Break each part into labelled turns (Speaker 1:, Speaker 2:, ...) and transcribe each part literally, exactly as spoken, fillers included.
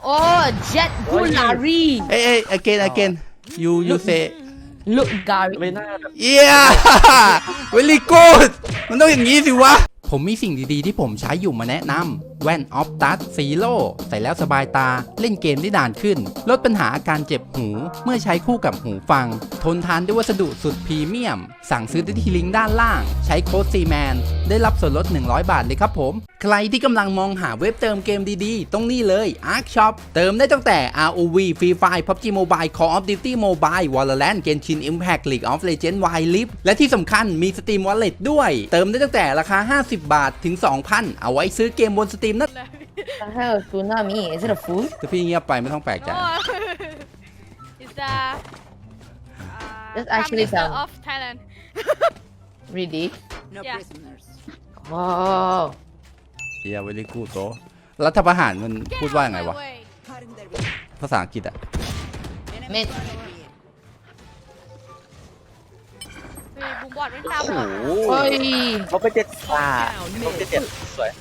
Speaker 1: Oh, Jet Gulari.
Speaker 2: Hey, hey, again, again. You, you say.
Speaker 1: Look, Gary.
Speaker 3: ไม่น่า
Speaker 2: Yeah, very good. มันต้องอย่างนี้สิวะ ผมมีสิ่งดีๆที่ผมใช้อยู่มาแนะนำแว่นออฟตัสซีโร่ใส่แล้วสบายตาเล่นเกมได้นานขึ้นลดปัญหาอาการเจ็บหูเมื่อใช้คู่กับหูฟังทนทานด้วยวัสดุสุดพรีเมียมสั่งซื้อได้ที่ลิงก์ด้านล่างใช้โค้ด ซี แมน ได้รับส่วนลดหนึ่งร้อยบาทเลยครับผมใครที่กำลังมองหาเว็บเติมเกมดีๆต้องนี่เลย Ark Shop เติมได้ตั้งแต่ อาร์ โอ วี Free Fire พับจี Mobile Call of Duty Mobile Valorant Genshin Impact League of Legends Wild Rift และที่สำคัญมี Steam Wallet ด้วยเติมได้ตั้งแต่ราคาห้าสิบบาทถึง สองพัน เอาไว้ซื้อเกมบน Steam นะ
Speaker 1: The hell, tsunami? Is it a food?
Speaker 2: ถ้าพี่เงียบไปไม่ต้องแปลกใจ
Speaker 4: No. It's the uh,
Speaker 1: That's
Speaker 4: Prime
Speaker 1: actually
Speaker 4: Minister
Speaker 1: sound-
Speaker 4: of Thailand.
Speaker 1: Really?
Speaker 5: No
Speaker 4: Yeah.
Speaker 5: prisoners.
Speaker 1: Oh.
Speaker 2: เฮียเวลี่กูโตรัฐประหารมันพูดว่ายังไงวะ
Speaker 4: Way.
Speaker 5: Cutting their way.
Speaker 2: ภาษาอังกฤษอะ
Speaker 5: Enemy
Speaker 1: Mid.
Speaker 5: far away.
Speaker 4: เฮ้ยบุ้มบอดไม่ตาม
Speaker 3: โอ้
Speaker 4: หร
Speaker 3: โห
Speaker 4: อ
Speaker 1: Oi.
Speaker 3: เขาไปเจ็ดอ่าเขาไปเจ็ดสวย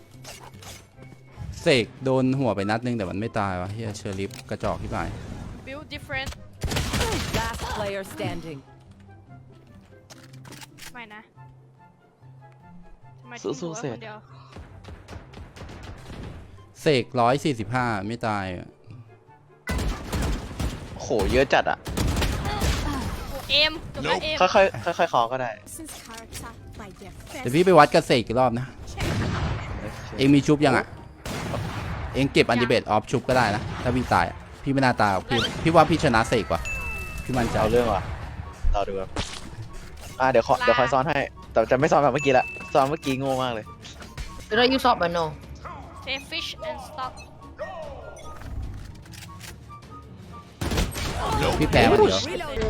Speaker 2: เสกโดนหัวไปนัดนึงแต่มันไม่ตายวะเฮียเชอร์ลิฟกระจอกที่ไหน
Speaker 4: build different
Speaker 5: Last player standing.
Speaker 4: ไม่นะทำไมทิ้งหัวไว้คนเดียว
Speaker 2: เสกร้อยสี่สิบห้าไม่ตายอะ
Speaker 3: โอ้โหเยอะจัดอ่ะ
Speaker 4: โอ้เอ็มจบแล้วเอ็ม
Speaker 3: ค่อยๆค่อยๆคอก็ได้
Speaker 2: เดี๋ยวพี่ไปวัดกับเสกอีกรอบนะ เองมีชุบยังอ่ะ เองเก็บอันดิเบตออฟชุบก็ได้นะ ถ้าพี่ตายอะพี่ไม่น่าตายหรอกพี่พี่ว่าพี่ชนะเสกว่ะพี่มั่นใจ
Speaker 3: เอาเรื่องว่ะเราดูครับอ่าเดี๋ยวขอเดี๋ยวคอยซ้อนให้แต่จะไม่ซ้อนแบบเมื่อกี้ละซ้อนเมื่อกี้โง่มากเลย
Speaker 1: Should I use up or no?
Speaker 4: Say fish and stock
Speaker 2: พี่แพ้มันเดี๋ยว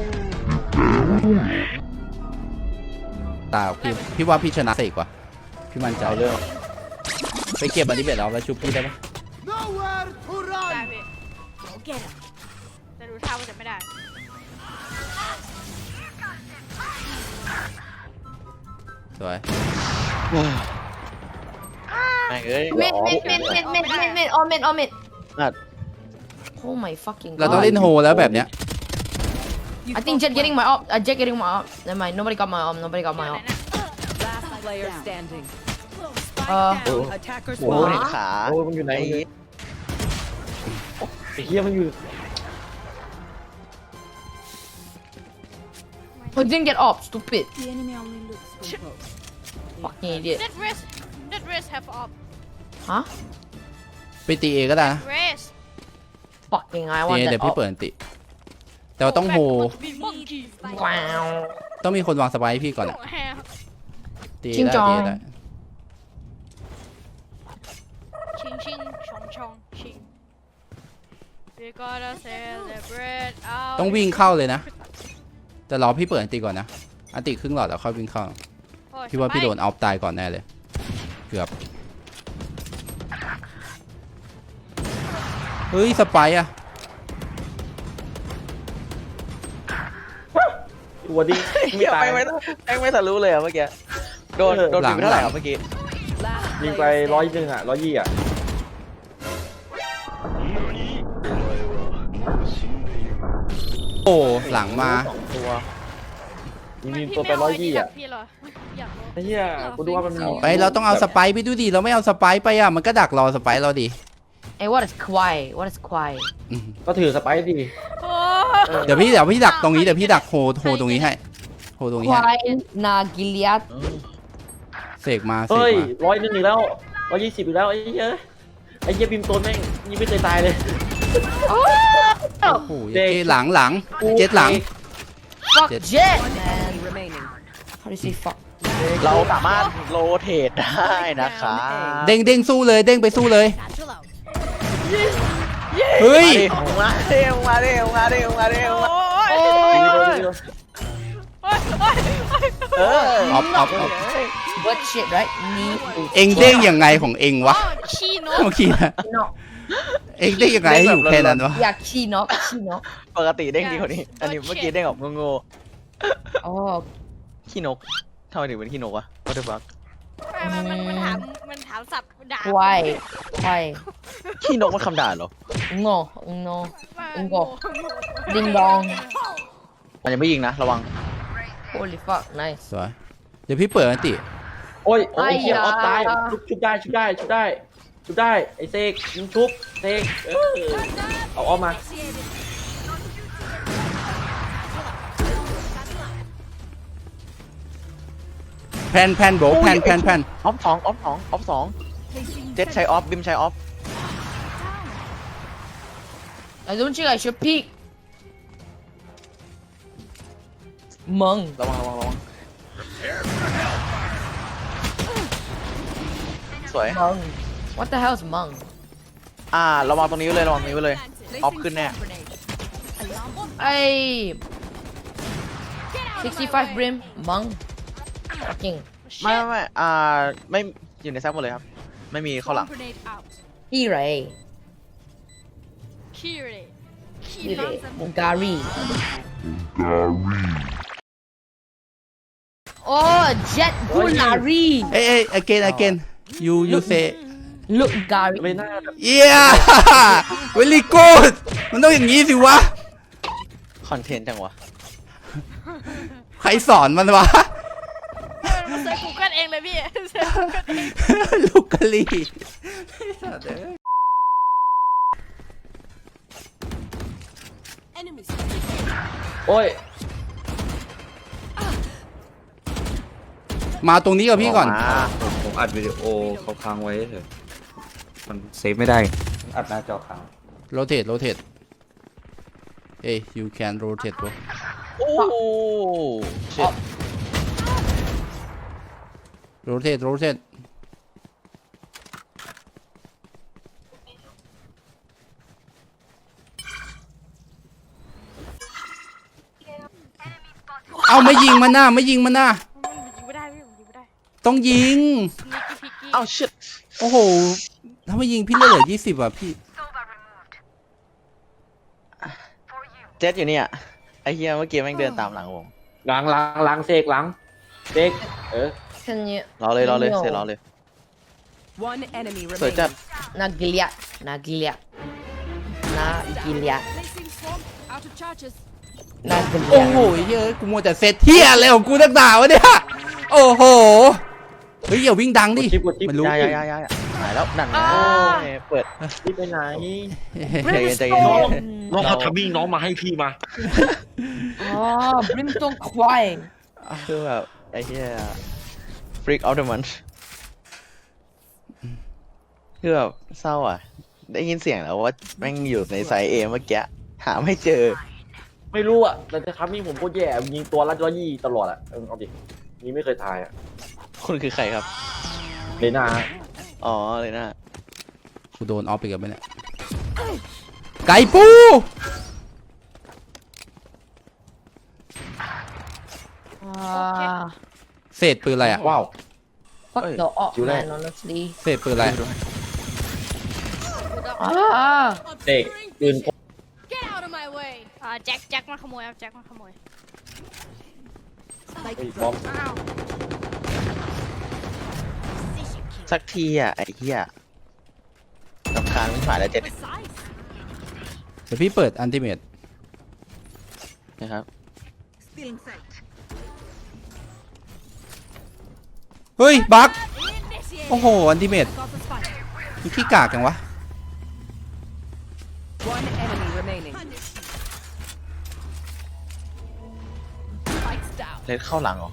Speaker 2: ตายหรอกพี่พี่ว่าพี่ชนะเสกว่ะพี่มั่นใจ
Speaker 3: เอาเรื่อง
Speaker 2: ไปเก็บอันดิเบตออฟแล้วชุบพี่ได้ปะ
Speaker 4: ได้พี่แต่ดูท่าว่าจะไม่ได้
Speaker 2: สวย
Speaker 3: แม่งเอ้ย
Speaker 1: Mid, mid, mid, mid, mid, mid, mid. Oh, mid, oh, mid.
Speaker 3: อ่ะ
Speaker 1: Oh my fucking
Speaker 2: เราต้อง
Speaker 1: god.
Speaker 2: เล่นโฮแล้วแบบเนี้ย
Speaker 1: I think Jet getting my op. Uh, Jet getting my op. Never mind. Nobody got my op. Nobody got
Speaker 4: เดี๋
Speaker 1: my
Speaker 4: ยวไหน
Speaker 1: op.
Speaker 4: นะ
Speaker 5: Last player standing.
Speaker 1: Uh,
Speaker 3: โอ้
Speaker 5: Attackers
Speaker 3: โหเห็น
Speaker 5: spawn.
Speaker 3: ขา
Speaker 6: โอ้ยมันอยู่ไหน
Speaker 3: ไอ้
Speaker 6: ไอ้เหี้ยมันอยู่
Speaker 1: oh, didn't get op. Stupid.
Speaker 5: The enemy only looks from close.
Speaker 1: Fucking idiot.
Speaker 4: Dead race Dead race have op
Speaker 1: Huh?
Speaker 2: ไปตีเอก็ได้นะ
Speaker 4: race
Speaker 1: Fucking I
Speaker 2: ตี
Speaker 1: want
Speaker 2: เอ
Speaker 1: that
Speaker 2: เดี๋ยวพี่
Speaker 1: op.
Speaker 2: เปิดอันติ แต่ว่าต้องโฮ
Speaker 1: Wow.
Speaker 2: ต้องมีคนวางสไปร์ให้พี่ก่อนอะตี
Speaker 1: ชิง
Speaker 2: ได้
Speaker 1: จอง
Speaker 2: ตีได้
Speaker 4: ชิงชิงชงชงชิง We gotta celebrate our
Speaker 2: ต้องวิ่งเข้าเลยนะ แต่รอพี่เปิดอันติก่อนนะ อันติครึ่งหลอดแล้วค่อยวิ่งเข้า
Speaker 4: โอ้ย
Speaker 2: พี่ว่าพี่โดนเอาตายก่อนแน่เลย เกือบ เฮ้ย สไปร์อะ
Speaker 6: ตัวดี
Speaker 3: เหี้
Speaker 6: ไม่
Speaker 3: ย
Speaker 6: ตาย
Speaker 3: แม่งไม่แม่งไม่ทะลุเลยอ่ะเมื่อกี้โดนโดนถึงเท่าไหร่ครับเมื่อกี้
Speaker 5: Last
Speaker 6: ยิงไป
Speaker 5: player
Speaker 6: ร้อย
Speaker 5: standing.
Speaker 6: หนึ่งอ่ะร้อยยี่อ่ะ
Speaker 2: โอ้หลังมา
Speaker 6: สองตัวยิง
Speaker 4: ทำไม
Speaker 6: ยิง
Speaker 4: พี่
Speaker 6: ตัวไป
Speaker 4: ม่
Speaker 6: ร้อย
Speaker 4: เา
Speaker 6: ยี่อ่ะ
Speaker 4: พี่เหรออยากรู้
Speaker 6: ไอ้เหี้ยกูดูว่ามันมี
Speaker 2: ไปเราต้องเอาสไปร์ไปดูดิ เราไม่เอาสไปร์ไปอะมันก็ดักรอสไปร์เราดิ
Speaker 1: Hey, what is Kwai? What is Kwai?
Speaker 2: อืม
Speaker 6: ก็ถือสไปร์ดี
Speaker 4: โอ้
Speaker 2: เดี๋ยวพี่เดี๋ยวพี่ดักตรงนี้เดี๋ยวพี่ดักโฮโฮตรงนี้ให้ โฮตรงนี้ให้
Speaker 1: Kwai na Gilead.
Speaker 2: เสกมาเสก
Speaker 6: เฮ้ย
Speaker 2: มา
Speaker 6: ร้อยหนึ่งอีกแล้วร้อยยี่สิบอีกแล้วไอ้เหี้ยไอ้เหี้ยบิมโตนแม่งยิงไม่เคยตายเลย
Speaker 2: โอ้โหเจ๊หลังหลัง เจ็ดหลัง
Speaker 1: Fuck
Speaker 2: Jet.
Speaker 1: Jet,
Speaker 5: One
Speaker 1: man.
Speaker 5: enemy remaining.
Speaker 1: How do you say fuck?
Speaker 3: เราสามารถโรเทตได้นะคะ
Speaker 2: เด้งเด้งสู้เลยเด้งไปสู้เลย เฮ้ย
Speaker 3: มาเร็วมาเร็วมาเร็วมาเร็วมา
Speaker 4: โอ้ย
Speaker 1: Oh,
Speaker 4: โอ้ยโอ้ยโอ้ย
Speaker 3: เออ
Speaker 2: ออฟออฟออฟ
Speaker 1: what shit, right? Knee.
Speaker 2: เอ็งเด้งยังไงของเอ็งวะ
Speaker 4: ขี้นก
Speaker 2: เมื่อกี้นะ
Speaker 1: No.
Speaker 2: เอ็งเด้งยังไงให้อยู่แค่นั้นวะ
Speaker 1: Yeah, chi knock, chi knock.
Speaker 3: ปกติเด้งดีกว่านี้ อันนี้เมื่อกี้เด้งออกงง
Speaker 1: Oh,
Speaker 3: ๆขี้นกทำไมถึงเป็นขี้นกวะ What the fuck
Speaker 4: มันมันมันถามมันถามสับด่า
Speaker 1: Kwai. Kwai.
Speaker 3: ขี้นกมันคำด่าเหรอ
Speaker 1: no no
Speaker 4: มา
Speaker 1: Ungo
Speaker 4: โง่
Speaker 1: ding dong
Speaker 3: มันยังไม่ยิงนะระวัง
Speaker 1: holy fuck nice
Speaker 2: สวยเดี๋ยวพี่เปิดอันติ
Speaker 6: โอ้ยโอ้ยเฮีย
Speaker 1: ไอ้ยา
Speaker 6: ออฟตายชุบชุบได้ชุบได้ชุบได้ชุบได้ไอ้เซกยิงชุบเซกเออเอาออกมา
Speaker 2: แพนแพนโบแพนแพนแพน
Speaker 3: ออฟสองออฟสองออฟสองเจ็ดใช้ออฟบิมใช้ออฟ
Speaker 1: I don't think I should peek มึง
Speaker 3: ระวังระวังระวังสวย
Speaker 1: มึง what the hell is มึง
Speaker 3: อ่าระวังตรงนี้ไว้เลยระวังตรงนี้ไว้เลยออฟขึ้นแน่
Speaker 1: ไอ้sixty-five brim มึง fucking
Speaker 3: ไม่ไม่ไม่อ่าไม่อยู่ในแซฟหมดเลยครับ ไม่มีเข้าหลัง
Speaker 4: Grenade out
Speaker 1: พี่ไร
Speaker 4: Kire
Speaker 1: พี่ไรบุการีโอ้เจ็ดบุลารี
Speaker 2: เอ้ยเอ้ย again again you you say
Speaker 1: ลูกการี
Speaker 6: ไม่น่าแบบ
Speaker 2: yeah very good มันต้องอย่างนี้สิวะ
Speaker 3: คอนเทนต์จังวะ
Speaker 2: ใครสอนมันวะ
Speaker 4: มันเซิร์ชกูเกิลเองเลยพี่เซิร์ชกูเกิลเอง
Speaker 2: ลูกกะลี
Speaker 6: โอ้ย
Speaker 2: มาตรงนี้กับพี่ก่อน
Speaker 3: มา
Speaker 7: ผมอัดวิดีโอเขาค้างไว้เถอะมันเซฟไม่ได้ อัดหน้าจอค้าง
Speaker 2: rotate rotate เอ้ย you can rotate bro
Speaker 3: โอ้เชิด
Speaker 2: rotate rotate เอาไม่ยิงมันหน้าไม่ยิงมันหน้า
Speaker 4: มันยิงไม่ได้พี่ผมยิงไม่ได้
Speaker 2: ต้องยิง
Speaker 4: นิกกี้พิกกี้
Speaker 3: เอ้าชิด
Speaker 2: โอ้โห ถ้าไม่ยิงพี่เลือดเหลือยี่สิบอ่ะพี่
Speaker 3: เจ็ดอยู่เนี่ยไอ้เฮียเมื่อกี้แม่งเดินตามหลังผม
Speaker 6: หลังหลังหลังเซกหลังเซกเออ
Speaker 1: Can you
Speaker 3: รอเลยรอเลยเสร็จรอเลย
Speaker 5: One enemy
Speaker 3: สวย
Speaker 5: remaining.
Speaker 3: จัด
Speaker 1: นากิเลียนากิเลียนากิเลียนากิเลี
Speaker 2: โอ้
Speaker 1: ย
Speaker 2: โหเฮ้ยกูมัวแต่เซตเทียอะไรของกูตั้งหนาวะเนี่ย โอ้โห เฮ้ยอย่าวิ่งดังดิ
Speaker 6: กดชิปกดชิป
Speaker 2: มันรู้
Speaker 3: ยายายายาหายแล้วนั่นไงเปิด
Speaker 6: รีบไปไหน
Speaker 3: ใจเย็นใจเย็น
Speaker 6: น้องเขาทำมิ่งน้องมาให้พี่มา
Speaker 1: อ๋อบริมตงควาย
Speaker 3: คือแบบไอ้เฮียฟรีกเอาเดอะมันคือแบบเศร้าอ่ะ ได้ยินเสียงแล้วว่าแม่งอยู่ในไซส์เอเมื่อกี้หาไม่เจอ
Speaker 6: ไม่รู้อ่ะแต่จะทำมิ่งผมก็แย่ยิงตัวละร้อยยี่ตลอดอ่ะเออเอาดินี่ไม่เคยทายอ่ะ
Speaker 3: คุณคือใครครับ
Speaker 6: เลน่า
Speaker 3: อ๋อเลยนะ
Speaker 2: กูโดนออฟไปกับมันเนี่ยไก่ปู
Speaker 1: อ่า
Speaker 2: เศษปืนอะไรอ่ะ
Speaker 6: ว้าว
Speaker 1: fuck the op
Speaker 6: อยู่ได้
Speaker 1: man honestly
Speaker 2: เศษปืนอะไร
Speaker 1: อ่า
Speaker 6: เด็กปืน
Speaker 4: Get out of my way อ่าแจ็คแจ็คมาขโมยครับแจ็คมาขโมย
Speaker 6: ไอ้บอม
Speaker 4: อ้าว
Speaker 3: สักทีอ่ะไอ้เฮียรำคาญไม่ผ่านแล้วเจ็ด
Speaker 2: เดี๋ยวพี่เปิดอันติเมต
Speaker 3: นะครับ
Speaker 2: เฮ้ย บั๊กโอ้โห อันติเมตมีขี้กากจังวะ
Speaker 5: One enemy remaining.
Speaker 3: เล็ดเข้าหลังเหรอ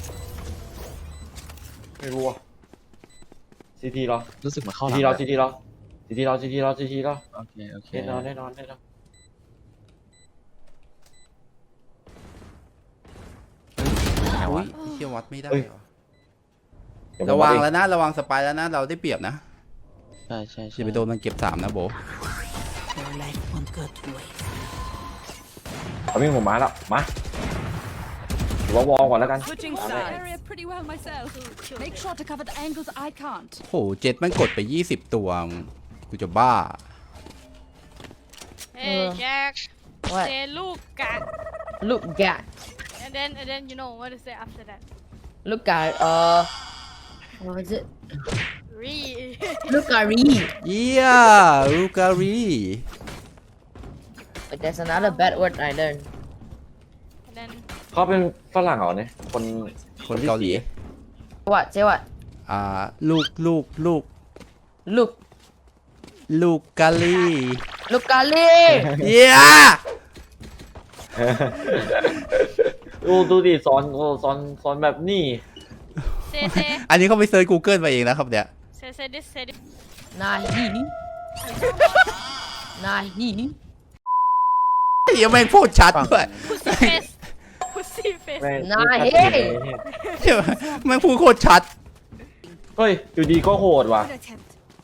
Speaker 6: ไม่รู้อ่ะซีทีเหรอ
Speaker 3: รู้สึกเหมือนเข้า
Speaker 6: ซี
Speaker 3: หลัง
Speaker 6: ทีเหรอซีทีเหรอซีทีเหรอซีทีเหรอซีทีเหรอ
Speaker 3: โอเคโอเค
Speaker 6: แน่นอนแน่นอนแน่นอน
Speaker 3: ไหน
Speaker 2: อุ้
Speaker 3: วะ
Speaker 2: ยเชี่ยวัดไม่ได้
Speaker 6: เฮ้ย
Speaker 2: วะ
Speaker 6: เดี๋ย
Speaker 2: ระ
Speaker 6: ผม
Speaker 2: วัง
Speaker 6: เอ
Speaker 2: แล้วนะ ระวังสปายแล้วนะ เราได้เปรียบนะ
Speaker 3: ใช่ใช่
Speaker 2: อ
Speaker 3: ใช่
Speaker 2: ย่าไปโดนมันเก็บสามนะโบ
Speaker 6: เอาวิ่งผมมาแล้วมาหรือว่าวอลก่อนแล้วกัน
Speaker 5: Switching sides. Area pretty well myself. Make sure to cover the angles I can't.
Speaker 2: โห เจ็ดมันกดไปยี่สิบตัวกูจะบ้า
Speaker 4: เฮ้ยแจ็ค
Speaker 1: what
Speaker 4: เซลูกกะ
Speaker 1: look at
Speaker 4: and then and then you know what to say after that
Speaker 1: look at uh what was it
Speaker 4: re
Speaker 1: look at re
Speaker 2: เยี่ยลูการี
Speaker 1: But there's another bad word I learned.
Speaker 4: And then
Speaker 6: เขาเป็นฝรั่งเหรอเนี่ยคน
Speaker 2: คนเกาหลี
Speaker 1: What? Say what?
Speaker 2: อ่า ลูกลูกลูก
Speaker 1: Look.
Speaker 2: ลูกกะลี
Speaker 1: Look, Ali.
Speaker 2: เย้
Speaker 6: ดูดูดิสอนโอ้สอนสอนแบบนี้
Speaker 4: say say
Speaker 2: อันนี้เขาไปเซิร์ช Google มาเองนะครับเนี่ย
Speaker 4: say say this say this.
Speaker 1: Nahi. Nahi.
Speaker 2: ยังแม่งพูดชัดด้วย
Speaker 4: Pussy face. Pussy face.
Speaker 6: แม่ง
Speaker 1: นาย
Speaker 6: ชัดเจนเลยเนี่ย
Speaker 2: แม่งพูดโคตรชัด
Speaker 6: เฮ้ยอยู่ดีก็โหดว่ะ
Speaker 5: Good attempt.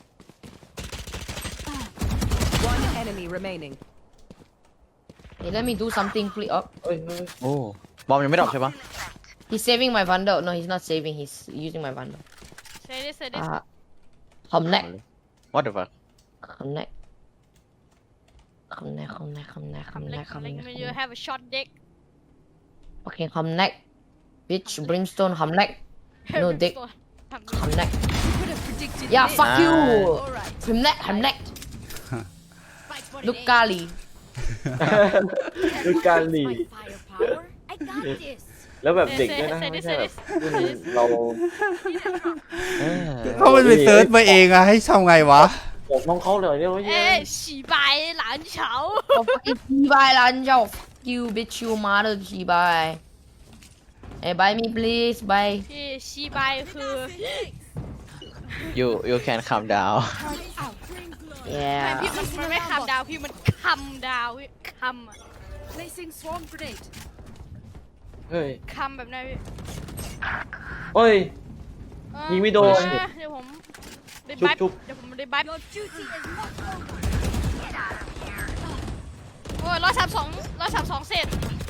Speaker 5: One enemy remaining.
Speaker 1: Hey, let me do something, please. Oh,
Speaker 6: เฮ้ยเฮ้ย
Speaker 3: โอ้บอมยังไม่ดรอปใช่ปะ
Speaker 1: he's saving my vandal. No, he's not saving. He's using my vandal.
Speaker 4: Say this say this.
Speaker 1: Ah, come neck.
Speaker 3: What the fuck
Speaker 1: Come neck. Come neck. Come neck. Come neck. Come
Speaker 4: Come
Speaker 1: neck.
Speaker 4: like
Speaker 1: Come
Speaker 4: like
Speaker 1: neck.
Speaker 4: when you
Speaker 1: Come neck.
Speaker 4: have a short dick.
Speaker 1: Okay, come neck. Bitch, brimstone. Come neck. No dick. Come neck.
Speaker 5: Could have predicted
Speaker 1: Yeah,
Speaker 5: this.
Speaker 1: fuck you.
Speaker 5: Alright.
Speaker 1: Come neck. Come neck.
Speaker 5: Fight for
Speaker 1: Look,
Speaker 5: the
Speaker 1: Kali.
Speaker 6: ดูการหลี
Speaker 5: firepower. I got this.
Speaker 6: แล้วแบบ
Speaker 4: Say
Speaker 6: เด็ก
Speaker 4: say
Speaker 6: ด้วยนะ
Speaker 4: say
Speaker 6: ไม่
Speaker 4: this
Speaker 6: ใช่
Speaker 4: say
Speaker 6: แบบ
Speaker 4: this.
Speaker 6: รุ่นเรา
Speaker 3: เออ
Speaker 2: เขามันไปเซิร์ชมาเองอะให้ทำไงวะ
Speaker 6: ผมน้องเขาเลยเนี่ยว่าเย้
Speaker 4: 哎，洗白蓝桥。
Speaker 1: Oh, fucking 鸡掰啦！你叫我 fuck you, bitch, you mother 鸡掰。Hey, buy me please, buy.
Speaker 4: พี่洗白คือ
Speaker 3: you you can calm down
Speaker 4: ไม่
Speaker 1: Yeah.
Speaker 4: พี่มันมันไม่คำดาวพี่มันคำดาวพี่คำอะ
Speaker 5: Placing swarm grenade.
Speaker 6: เฮ้ย
Speaker 4: คำแบบนั้นพี่
Speaker 6: เฮ้ย
Speaker 4: เออ
Speaker 6: ยิงไม่โดน
Speaker 4: เออเดี๋ยวผมได้บัฟ
Speaker 6: จุ๊บ
Speaker 4: เดี๋ยวผมได้บัฟ
Speaker 5: Your duty is not over.
Speaker 4: โอ้ยร้อยสามสองร้อยสามสองเศษ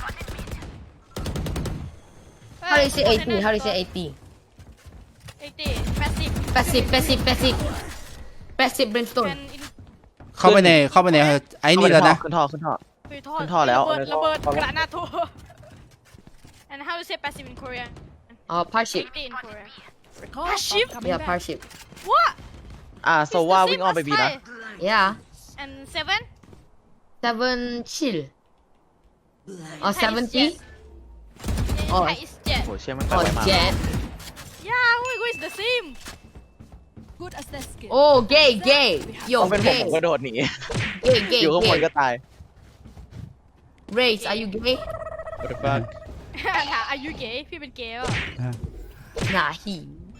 Speaker 1: How do you say eighty? How do you say eighty?
Speaker 4: ไอ้ตีแปดสิบ
Speaker 1: Passive, passive, passive. Passive
Speaker 4: เป็
Speaker 1: brimstone.
Speaker 4: นอิน
Speaker 2: เข้าไปในเข้าไปในไอ้นี่แล้วนะ
Speaker 3: ขึ้นท่อขึ้นท่อ
Speaker 4: คือทอด
Speaker 3: ขึ้นท่อแล้ว
Speaker 4: ระเบิดระเบิดกระนาโถ and how to say passive in Korean
Speaker 1: Uh, parship.
Speaker 4: eighty in Korean
Speaker 5: Call
Speaker 4: Parship?
Speaker 5: coming
Speaker 1: Yeah,
Speaker 5: back.
Speaker 1: parship.
Speaker 4: what
Speaker 3: อ่าโซ
Speaker 4: It's the
Speaker 3: ว่า
Speaker 4: same
Speaker 3: วิ่งอ้อมไป
Speaker 4: as
Speaker 3: บีนะ
Speaker 4: Thai.
Speaker 1: Yeah.
Speaker 4: and seven
Speaker 1: Seven chill. Or
Speaker 4: Thai is
Speaker 1: seventy?
Speaker 4: jet. Yeah,
Speaker 1: Oh.
Speaker 4: Thai is jet
Speaker 3: โหเชี่ยมันไป
Speaker 1: Or
Speaker 3: ไวมาก
Speaker 1: jet.
Speaker 4: yeah we go is the same
Speaker 5: Good as their skill.
Speaker 1: Oh, gay, gay.
Speaker 3: ต้
Speaker 1: Yo,
Speaker 3: องเป็นผม
Speaker 1: gay.
Speaker 3: ผมก็โดดหนี
Speaker 1: Gay, gay,
Speaker 3: อยู่ข้างบน
Speaker 1: gay.
Speaker 3: ก็ตาย
Speaker 1: Race, are you gay?
Speaker 3: What the fuck
Speaker 4: ถามอายุเก๋พี่เป็นเก๋ป่ะ
Speaker 1: Nah, he.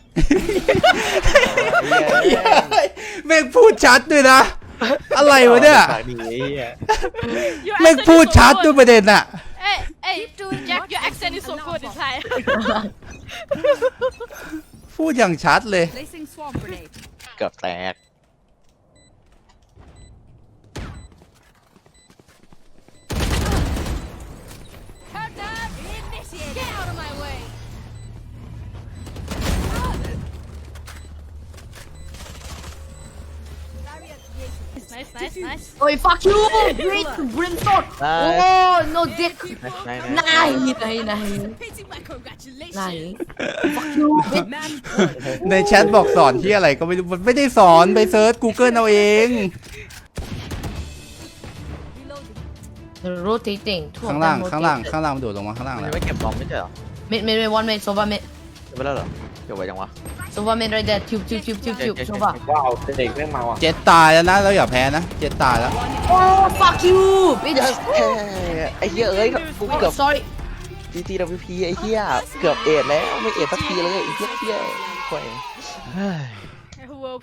Speaker 2: แม่งพูดชัดด้วยนะ อะไรวะเนี่ย
Speaker 3: ปากดีไอ้เหี้ย
Speaker 4: Your
Speaker 2: แม่ง
Speaker 4: accent
Speaker 2: พูด
Speaker 4: is so
Speaker 2: ชัด
Speaker 4: good.
Speaker 2: ด้วยประเด็นอะ
Speaker 4: Hey hey Jack your accent is so good in Thai
Speaker 2: พูดอย่างชัดเลย
Speaker 5: Placing swarm grenade.
Speaker 3: เกือบแตก
Speaker 5: Countdown initiated. Get out of my way.
Speaker 4: nice nice nice
Speaker 1: Oh, fuck you! Great brimstone! Oh, no dick!
Speaker 3: ไหนไหน
Speaker 1: Nice, nice, nice.
Speaker 5: Repeating my congratulations.
Speaker 1: Nice. Fuck you, bitch.
Speaker 5: Man,
Speaker 2: ในแชทบอกสอนที่อะไรก็ไม่รู้มันไม่ได้สอนไปเซิร์ช Google เอาเอง
Speaker 5: reloading.
Speaker 1: Rotating. Two of
Speaker 2: ข้างล่าง
Speaker 1: them
Speaker 2: ข้างล่าง
Speaker 1: rotated.
Speaker 2: ข้างล่างมันโดดลงมาข้างล่าง
Speaker 3: มัน
Speaker 2: แล้
Speaker 3: ยั
Speaker 2: ว
Speaker 3: งไม่เก็บบอมไม่ใช่เหรอ
Speaker 1: Mid, mid, mid, one mid, Sova mid.
Speaker 3: เก็บไปแล้วเหรอเก็บไว้ยังวะ
Speaker 1: Sova mid right there. Tube, tube, tube, tube, tube. Sova.
Speaker 6: ว้าวเด็กแม่งเมาอ่ะ
Speaker 2: เจ็ดตายแล้วนะแล้วอย่าแพ้นะ เจ็ดตายแล้ว
Speaker 1: Oh, fuck you, bitch.
Speaker 3: ไอ้เหี้ยเอ้ยกูเกือบ
Speaker 1: Oh, sorry.
Speaker 3: จีจีดับพีไอ้เหี้ยเกือบเอ็ดแล้วไม่เอ็ดสักทีเลยไอ้เหี้ยเหี้ยแขวงเฮ้ย
Speaker 4: World